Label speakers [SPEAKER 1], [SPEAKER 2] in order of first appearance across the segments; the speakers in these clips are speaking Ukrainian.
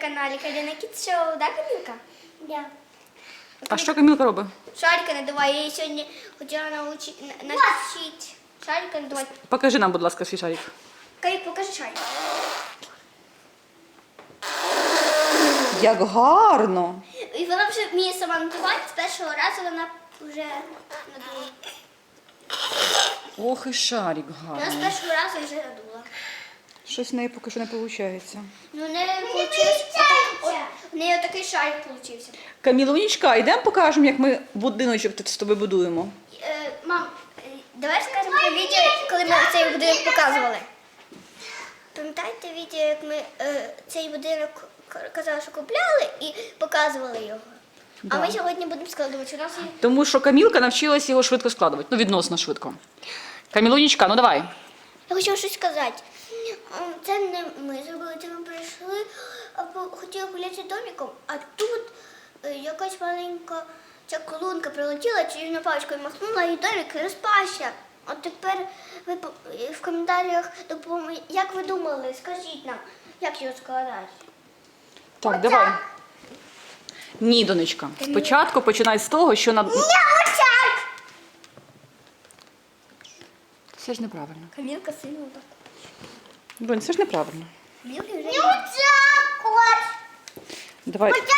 [SPEAKER 1] каналі Каріна Кіт Шоу, да, Камілка?
[SPEAKER 2] Да.
[SPEAKER 3] А що Камілка робить?
[SPEAKER 1] Шарика надуває, я її сьогодні хотіла навчити шарика надувати.
[SPEAKER 3] Покажи нам, будь ласка, свій шарик.
[SPEAKER 1] Камік, покажи шарик.
[SPEAKER 3] Як гарно!
[SPEAKER 1] І вона вже вміє сама надувати, з першого разу вона вже надула.
[SPEAKER 3] Ох і шарик
[SPEAKER 1] Вона з
[SPEAKER 3] гарний.
[SPEAKER 1] першого разу вже надула.
[SPEAKER 3] Щось в неї поки що не виходить.
[SPEAKER 1] Ну, не вийшло. У неї отакий шарик вийшов.
[SPEAKER 3] Камілунечка, йдемо покажемо, як ми будиночок тут з тобою будуємо.
[SPEAKER 1] Мам, давай скажемо про відео, коли ми цей будинок показували. Пам'ятаєте відео, як ми цей будинок казали, що купляли і показували його?
[SPEAKER 3] Да.
[SPEAKER 1] А ми сьогодні будемо складувати. У нас є...
[SPEAKER 3] Тому що Камілка навчилась його швидко складувати. Ну, відносно швидко. Камілунечка, ну давай.
[SPEAKER 1] Я хочу щось сказати. Це не ми зробили, це ми прийшли, хотіли гуляти домиком, а тут якась маленька ця колонка прилетіла, чарівна паличкою махнула, і домик розпався. От тепер ви в коментарях допоможете. Як ви думали, скажіть нам, як його складати?
[SPEAKER 3] Так, давай. Ні, донечка. Спочатку починай з того, що на... Це ж неправильно.
[SPEAKER 1] Камілка сильно так.
[SPEAKER 3] Донь, це ж неправильно.
[SPEAKER 1] Камілка вже...
[SPEAKER 2] Вот.
[SPEAKER 3] Давай.
[SPEAKER 2] Нет,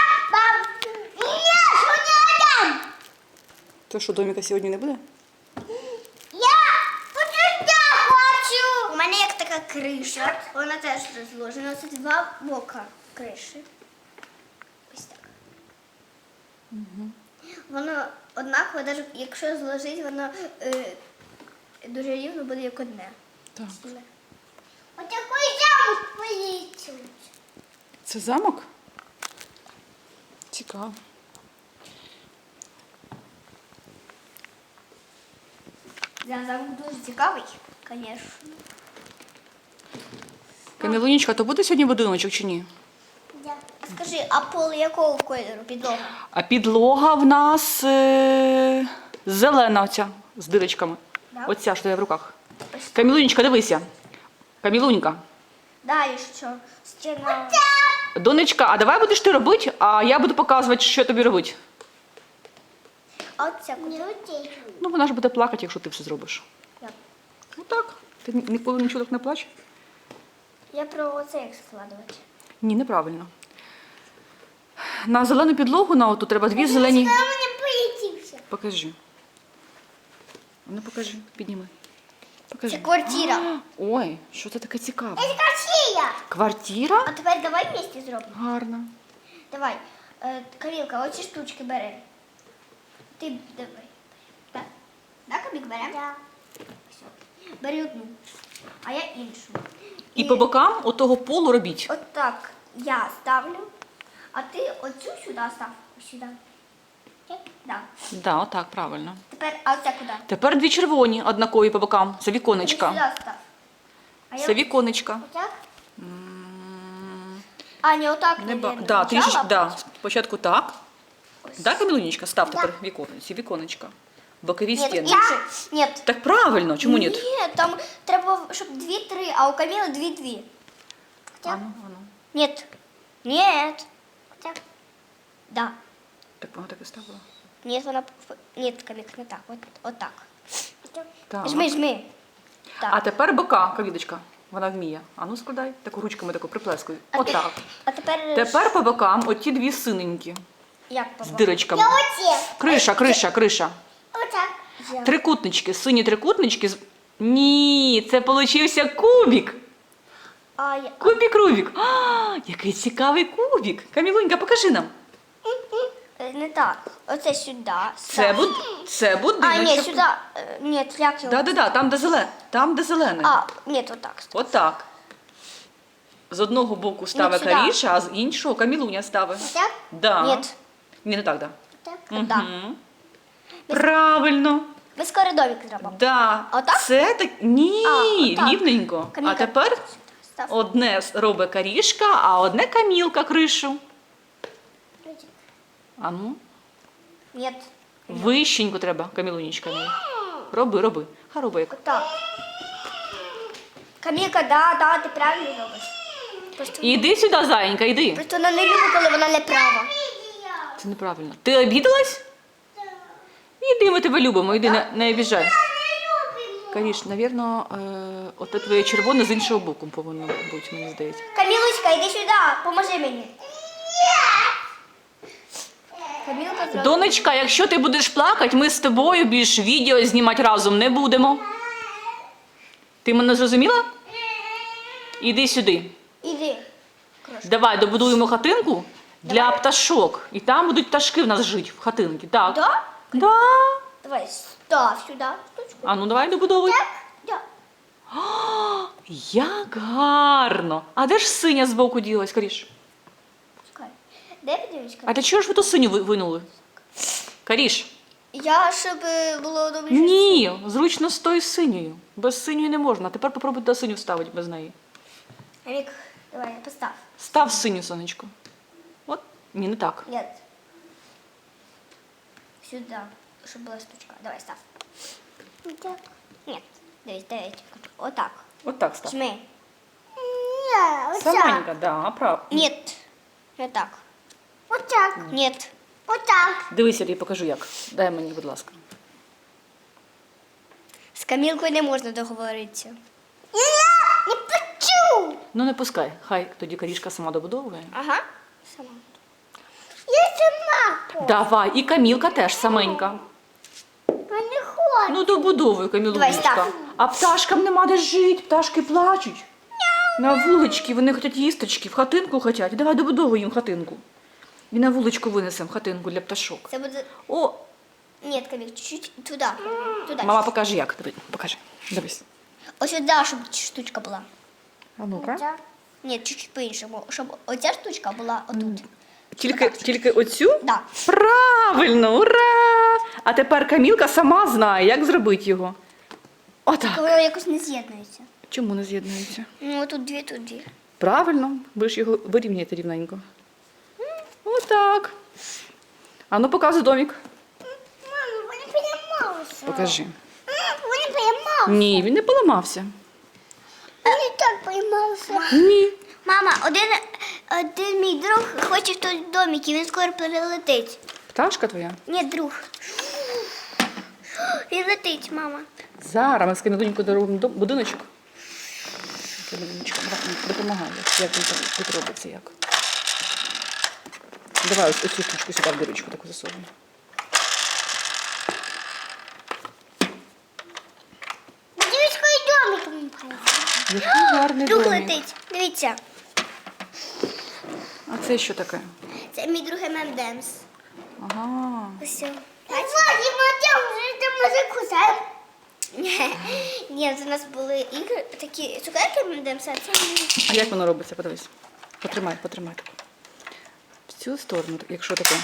[SPEAKER 2] не
[SPEAKER 3] То, що доміка сьогодні не буде?
[SPEAKER 2] Я вот сюда хочу.
[SPEAKER 1] У мене як така криша, вона теж розложена. Це два бока криші. Ось так. Воно однаково, навіть якщо зложити, воно дуже рівно буде як одне.
[SPEAKER 3] Так.
[SPEAKER 2] Вот такой замок полетел.
[SPEAKER 3] Це замок? Цікаво.
[SPEAKER 1] Замок дуже цікавий, звісно.
[SPEAKER 3] Камілунечка, то буде сьогодні будиночок чи ні?
[SPEAKER 2] Да.
[SPEAKER 1] Скажи, а пол якого кольору підлога?
[SPEAKER 3] А підлога в нас зелена оця, з дирочками.
[SPEAKER 1] Да?
[SPEAKER 3] Оця, що я в руках.
[SPEAKER 1] Ось.
[SPEAKER 3] Камілунечка, дивися. Камілунька.
[SPEAKER 1] Далі що? Стіна.
[SPEAKER 3] Донечка, а давай будеш ти робити, а я буду показувати, що тобі робити.
[SPEAKER 1] А от ця куди?
[SPEAKER 2] Не утечу.
[SPEAKER 3] Ну, вона ж буде плакати, якщо ти все зробиш.
[SPEAKER 1] Як?
[SPEAKER 3] Ну так. Ти ніколи нічого так не плачеш?
[SPEAKER 1] Я про оце як складувати.
[SPEAKER 3] Ні, неправильно. На зелену підлогу на оту треба дві зелені.
[SPEAKER 2] Там не полетівся.
[SPEAKER 3] Покажи. Ну покажи, підніми.
[SPEAKER 1] Це
[SPEAKER 3] Покажи.
[SPEAKER 1] квартира.
[SPEAKER 3] Ой, що це таке цікаве?
[SPEAKER 2] Это красиво.
[SPEAKER 3] Квартира?
[SPEAKER 1] А тепер давай вместе зробимо.
[SPEAKER 3] Гарно.
[SPEAKER 1] Давай. Камілка, оці штучки бери. Ти давай. Так? Так, Камік, беремо?
[SPEAKER 2] Да.
[SPEAKER 1] Все. Бери одну, а я іншу.
[SPEAKER 3] І по бокам отого полу робіть.
[SPEAKER 1] От так я ставлю, а ти оцю сюди став. Ось сюди. Так? Да.
[SPEAKER 3] Да, отак, правильно.
[SPEAKER 1] Тепер, а оця куди?
[SPEAKER 3] Тепер дві червоні однакові по бокам. Це
[SPEAKER 1] Ти
[SPEAKER 3] віконечка.
[SPEAKER 1] сюди став. А
[SPEAKER 3] Це віконечка.
[SPEAKER 1] Отак? А, не отак,
[SPEAKER 3] Не ба...
[SPEAKER 1] наверно.
[SPEAKER 3] да,
[SPEAKER 1] Спочатку,
[SPEAKER 3] трішечки,
[SPEAKER 1] а
[SPEAKER 3] да.
[SPEAKER 1] потім.
[SPEAKER 3] Спочатку так.
[SPEAKER 1] Ось.
[SPEAKER 3] Да, Камілунечка, став тепер віконечці, віконечка. Бокові
[SPEAKER 1] Ні,
[SPEAKER 3] стіни.
[SPEAKER 1] інше. Ні.
[SPEAKER 3] Так правильно, чому ні?
[SPEAKER 1] Ні, там треба, щоб 2-3, а у Каміли 2-2.
[SPEAKER 3] Ану.
[SPEAKER 1] Нет. Нет. Так. Да.
[SPEAKER 3] Так вона так і ставила.
[SPEAKER 1] Нет, вона... Нет, Камік, не так. От так.
[SPEAKER 3] Так.
[SPEAKER 1] Жми, жми. Так.
[SPEAKER 3] А тепер бока, Камілочка. Вона вміє. Ану складай. Таку ручками таку приплескуй. Отак.
[SPEAKER 1] А тепер...
[SPEAKER 3] Тепер по бокам оті дві синенькі
[SPEAKER 1] Як
[SPEAKER 3] з
[SPEAKER 1] по
[SPEAKER 3] дирочками.
[SPEAKER 2] Я вот
[SPEAKER 3] Криша, криша, криша.
[SPEAKER 2] Вот так.
[SPEAKER 3] Трикутнички, сині трикутнички. Ні, це получився кубик.
[SPEAKER 1] А, я...
[SPEAKER 3] Кубик Рубик. А, який цікавий кубик. Камілунька, покажи нам.
[SPEAKER 1] Не так. Оце сюди.
[SPEAKER 3] Це
[SPEAKER 1] А,
[SPEAKER 3] будиночок.
[SPEAKER 1] ні, сюди. Ні, як його?
[SPEAKER 3] Да, там, де зелене. Там, де зелене.
[SPEAKER 1] А, ні, отак.
[SPEAKER 3] Отак. З одного боку ставить
[SPEAKER 1] сюди.
[SPEAKER 3] Каріша, а з іншого Камілуня ставить.
[SPEAKER 1] Так?
[SPEAKER 3] Да.
[SPEAKER 1] Ні.
[SPEAKER 3] Ні, не так, да.
[SPEAKER 1] Так? Да.
[SPEAKER 3] Мгм. Правильно.
[SPEAKER 1] Ми скоро домик зробимо.
[SPEAKER 3] Да.
[SPEAKER 1] А отак?
[SPEAKER 3] Це так. Ні,
[SPEAKER 1] А, отак.
[SPEAKER 3] рівненько. А
[SPEAKER 1] Камілка.
[SPEAKER 3] тепер
[SPEAKER 1] Став.
[SPEAKER 3] одне робить Карішка, а одне Камілка кришу. А ну,
[SPEAKER 1] Ні.
[SPEAKER 3] вищенько треба, Камілунечка. Роби. Роби як.
[SPEAKER 1] Отак. Камілка, да, ти правильно робиш.
[SPEAKER 3] Іди сюди, зайенька, іди.
[SPEAKER 1] Просто вона не любить, коли вона не права.
[SPEAKER 3] Це неправильно. Ти обідалась? Іди, ми тебе любимо, іди, не обіжай. Каріш, навірно, оте твоє червоне з іншого боку повинно бути, мені здається.
[SPEAKER 1] Камілочка, іди сюди, поможи мені. Камілка зробила.
[SPEAKER 3] Донечка, якщо ти будеш плакати, ми з тобою більш відео знімати разом не будемо. Ти мене зрозуміла? Іди сюди.
[SPEAKER 1] Іди.
[SPEAKER 3] Давай добудуємо хатинку для пташок. І там будуть пташки в нас жити в хатинці. Так.
[SPEAKER 1] Да?
[SPEAKER 3] Да.
[SPEAKER 1] Давай, став сюди штучку.
[SPEAKER 3] А ну давай добудовуй.
[SPEAKER 1] Да.
[SPEAKER 3] Як гарно. А де ж синя збоку ділась, Каріш?
[SPEAKER 1] Чекай. Де подивись?
[SPEAKER 3] А для чого ж ви ту синю винули? Каріш?
[SPEAKER 1] Я, щоб було добре.
[SPEAKER 3] Ні, зручно з тою синьою. Без синьої не можна. А тепер попробуй та синю вставити без неї.
[SPEAKER 1] Рік, давай, постав.
[SPEAKER 3] Став синю, сонечко. От. Ні, не так.
[SPEAKER 1] Нет. Сюди, щоб була штучка. Давай, став.
[SPEAKER 2] Так.
[SPEAKER 1] Нет. Дивись. Отак.
[SPEAKER 3] От так став.
[SPEAKER 1] Жми.
[SPEAKER 2] Ні, отак.
[SPEAKER 3] Саменька, да, прав.
[SPEAKER 1] Нет. Не так.
[SPEAKER 2] Отак.
[SPEAKER 1] Нет.
[SPEAKER 2] Отак.
[SPEAKER 3] Дивись, я тобі покажу як. Дай мені, будь ласка.
[SPEAKER 1] З Камілкою не можна договоритися.
[SPEAKER 2] Я не почув.
[SPEAKER 3] Ну не пускай. Хай тоді Карішка сама добудовує.
[SPEAKER 1] Ага. Сама.
[SPEAKER 2] Я сама хочу.
[SPEAKER 3] Давай, і Камілка теж саменька.
[SPEAKER 2] Я не хочу.
[SPEAKER 3] Ну добудовуй,
[SPEAKER 1] Давай,
[SPEAKER 3] Камілунечка.
[SPEAKER 1] став.
[SPEAKER 3] А пташкам нема де жити, пташки плачуть. На вулички, вони хочуть їсточки, в хатинку хочуть. Давай добудовуй їм хатинку. І на вуличку винесемо хатинку для пташок.
[SPEAKER 1] Це буде...
[SPEAKER 3] О,
[SPEAKER 1] Нет, Каміль, чуть-чуть туди. Туди.
[SPEAKER 3] мама, покажи як. Диви, покажи. Дивись.
[SPEAKER 1] Ось сюди, щоб штучка була.
[SPEAKER 3] А ну-ка.
[SPEAKER 2] Отак.
[SPEAKER 1] Ні, чуть-чуть по-іншому. Щоб оця штучка була отут.
[SPEAKER 3] Тільки оцю?
[SPEAKER 1] Да.
[SPEAKER 3] Правильно, ура! А тепер Камілка сама знає, як зробити його. Отак.
[SPEAKER 1] Коли якось не з'єднується.
[SPEAKER 3] Чому не з'єднується?
[SPEAKER 1] Ну, тут дві, тут дві.
[SPEAKER 3] Правильно, ви ж його вирівняєте рівненько. Отак. А ну показуй домик.
[SPEAKER 2] Мама, вони поламалися.
[SPEAKER 3] Покажи.
[SPEAKER 2] Вони поламалися.
[SPEAKER 3] Ні, він не поламався.
[SPEAKER 2] Вони так поламалися.
[SPEAKER 3] Ні.
[SPEAKER 1] Мама, один мій друг хоче в той домик, і він скоро перелетить.
[SPEAKER 3] Пташка твоя.
[SPEAKER 1] Ні, друг. Він летить, мама.
[SPEAKER 3] Зараз ми з Камілунькою доробимо будиночок. Камілунечка допомагає, як він там тут робиться, як. Давай ось цю штучку сюди в дирочку таку засовуємо.
[SPEAKER 2] Дивись, який домик він поламався.
[SPEAKER 3] Який гарний
[SPEAKER 1] Друг
[SPEAKER 3] домик.
[SPEAKER 1] летить. Дивіться.
[SPEAKER 3] А це що таке?
[SPEAKER 1] Це мій друг ММДМС.
[SPEAKER 3] Ага.
[SPEAKER 1] Ось.
[SPEAKER 2] Вадима, там вже там музику знаємо.
[SPEAKER 1] Ні, це у нас були ігри, такі цукерки ММДМС, а це мій.
[SPEAKER 3] А як воно робиться? Подивись. Потримай таку. В цю сторону, якщо таке.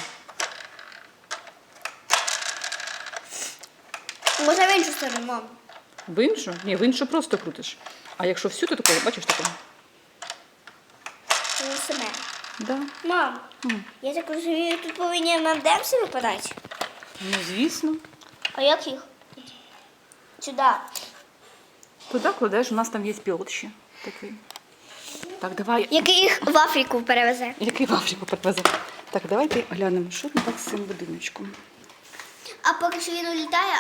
[SPEAKER 1] Може в іншу сторону, мам.
[SPEAKER 3] В іншу? Ні, в іншу просто крутиш. А якщо всю, то таку, бачиш таку?
[SPEAKER 1] Це саме.
[SPEAKER 3] Да.
[SPEAKER 1] Мам, я так розумію, тут повинні ММДМС випадати.
[SPEAKER 3] Ну, звісно.
[SPEAKER 1] А як їх? Сюди.
[SPEAKER 3] Туди кладеш, у нас там є пілот ще такий. Так, давай.
[SPEAKER 1] Який їх в Африку перевезе.
[SPEAKER 3] Який в Африку привезе. Так, давайте глянемо, що не так з цим будиночком.
[SPEAKER 1] А поки що він улітає,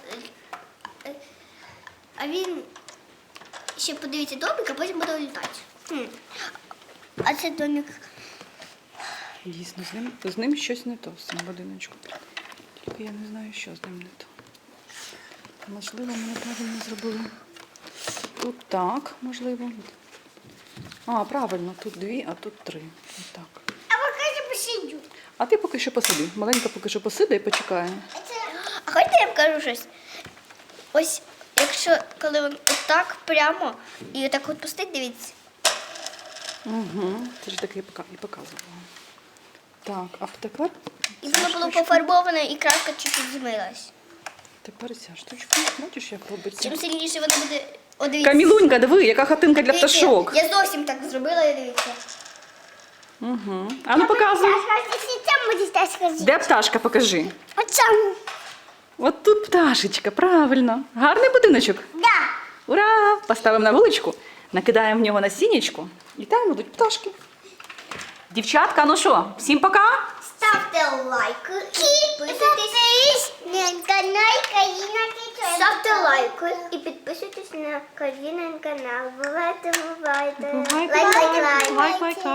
[SPEAKER 1] а він ще подивиться домик, а потім буде улітати. А це домик.
[SPEAKER 3] Дійсно, з ним щось не то, з цим будиночком. Тільки я не знаю, що з ним не то. Можливо, ми неправильно зробили. Тут так, можливо. А, правильно, тут 2, а тут 3. Отак.
[SPEAKER 2] А поки посидю.
[SPEAKER 3] А ти поки що посиди. Маленька поки що посиди і почекає.
[SPEAKER 1] А хочете я вам кажу щось? Ось, якщо коли він отак прямо і отак от пустить, дивіться.
[SPEAKER 3] Угу. Це ж таке і показувала. Так, а тепер
[SPEAKER 1] І
[SPEAKER 3] ця
[SPEAKER 1] воно було
[SPEAKER 3] штучка.
[SPEAKER 1] пофарбоване, і краска чуть-чуть змилась.
[SPEAKER 3] Тепер ця штучка. Бачиш, як робиться?
[SPEAKER 1] Чим сильніше воно буде. О, дивіться.
[SPEAKER 3] Камілунька, диви, яка хатинка для
[SPEAKER 1] Дивіться,
[SPEAKER 3] пташок.
[SPEAKER 1] Я зовсім так зробила, і дивіться.
[SPEAKER 3] Угу. А ну показуй.
[SPEAKER 2] Якщо там будеш так сказати.
[SPEAKER 3] Де пташка, покажи.
[SPEAKER 2] Оцьому.
[SPEAKER 3] От тут пташечка, правильно. Гарний будиночок.
[SPEAKER 2] Да.
[SPEAKER 3] Ура! Поставимо на вуличку. накидаємо в нього насіннячко, і там будуть пташки. Дівчатка, ну що, всім пока!
[SPEAKER 1] Ставте лайки і підписуйтесь. Ставте лайки і підписуйтесь на Карінин канал. Бувайте, бувайте.
[SPEAKER 3] Лайк, лайк, лайк.